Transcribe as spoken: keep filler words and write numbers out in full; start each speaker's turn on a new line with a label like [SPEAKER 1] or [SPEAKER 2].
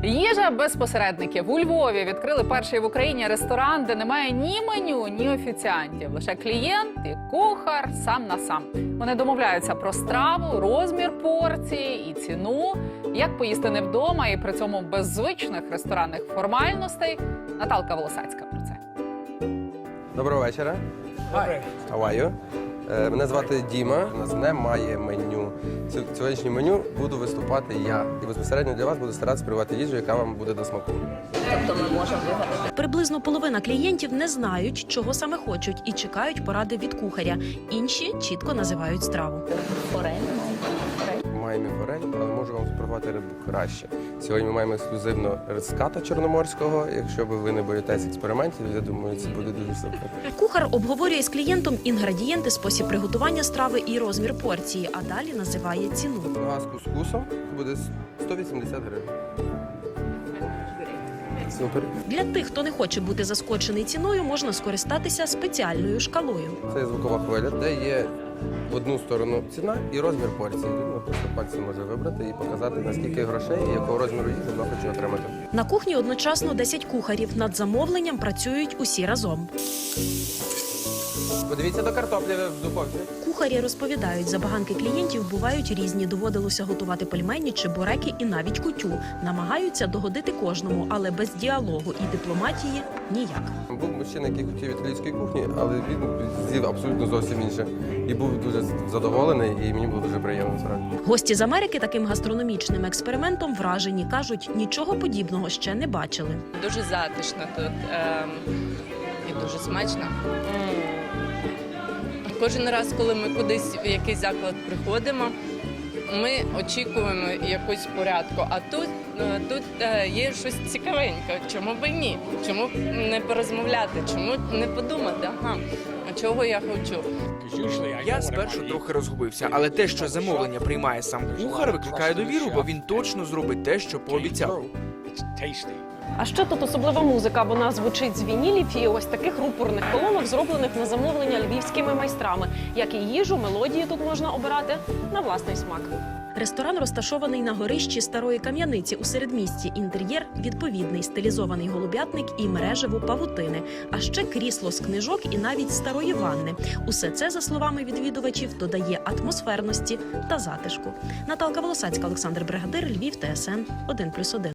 [SPEAKER 1] Їжа без посередників. У Львові відкрили перший в Україні ресторан, де немає ні меню, ні офіціантів. Лише клієнт і кухар сам на сам. Вони домовляються про страву, розмір порції і ціну. Як поїсти не вдома і при цьому без звичних ресторанних формальностей. Наталка Волосацька про це.
[SPEAKER 2] Доброго вечора.
[SPEAKER 3] Hi.
[SPEAKER 2] How are you? Е, Мене звати Діма. У нас немає меню. Ці- Сьогоднішнє меню буду виступати я. І безпосередньо для вас буду старатися приготувати їжу, яка вам буде до смаку.
[SPEAKER 4] Тобто ми можемо вигадати.
[SPEAKER 5] Приблизно половина клієнтів не знають, чого саме хочуть, і чекають поради від кухаря. Інші чітко називають страву.
[SPEAKER 4] Форель.
[SPEAKER 2] Маємо форель, але можу вам запропонувати рибу краще. Сьогодні ми маємо ексклюзивно риската чорноморського. Якщо ви не боїтесь експериментів, я думаю, це буде дуже супер.
[SPEAKER 5] Кухар обговорює з клієнтом інгредієнти, спосіб приготування страви і розмір порції, а далі називає ціну.
[SPEAKER 2] Нога з кускусом буде сто вісімдесят гривень. Супер.
[SPEAKER 5] Для тих, хто не хоче бути заскочений ціною, можна скористатися спеціальною шкалою.
[SPEAKER 2] Це є звукова хвиля, де є в одну сторону ціна і розмір порції. Людина просто пальцем може вибрати і показати, наскільки грошей і якого розміру їжі вона хоче отримати.
[SPEAKER 5] На кухні одночасно десять кухарів. Над замовленням працюють усі разом.
[SPEAKER 2] Подивіться до картоплі в духовці.
[SPEAKER 5] Кухарі розповідають, забаганки клієнтів бувають різні. Доводилося готувати пельмені, чебуреки і навіть кутю. Намагаються догодити кожному, але без діалогу і дипломатії ніяк.
[SPEAKER 2] Був мужчина, який хотів італійської кухні, але він з'їв абсолютно зовсім інше. І був дуже задоволений, і мені було дуже приємно насправді.
[SPEAKER 5] Гості з Америки таким гастрономічним експериментом вражені. Кажуть, нічого подібного ще не бачили.
[SPEAKER 6] Дуже затишно тут ем, і дуже смачно. Кожен раз, коли ми кудись в якийсь заклад приходимо, ми очікуємо якусь порядку. А тут, е, тут е, є щось цікавеньке. Чому б і ні? Чому б не порозмовляти? Чому не подумати? Ага, а чого я хочу?
[SPEAKER 3] Я спершу трохи розгубився, але те, що замовлення приймає сам кухар, викликає довіру, бо він точно зробить те, що пообіцяв.
[SPEAKER 7] А ще тут особлива музика. Вона звучить з вінілів і ось таких рупорних колонок, зроблених на замовлення львівськими майстрами. Як і їжу, мелодії тут можна обирати на власний смак.
[SPEAKER 5] Ресторан розташований на горищі старої кам'яниці у середмісті. Інтер'єр відповідний, стилізований голуб'ятник і мережево павутини. А ще крісло з книжок і навіть старої ванни. Усе це, за словами відвідувачів, додає атмосферності та затишку. Наталка Волосацька, Олександр Бригадир, Львів, Т С Н один плюс один.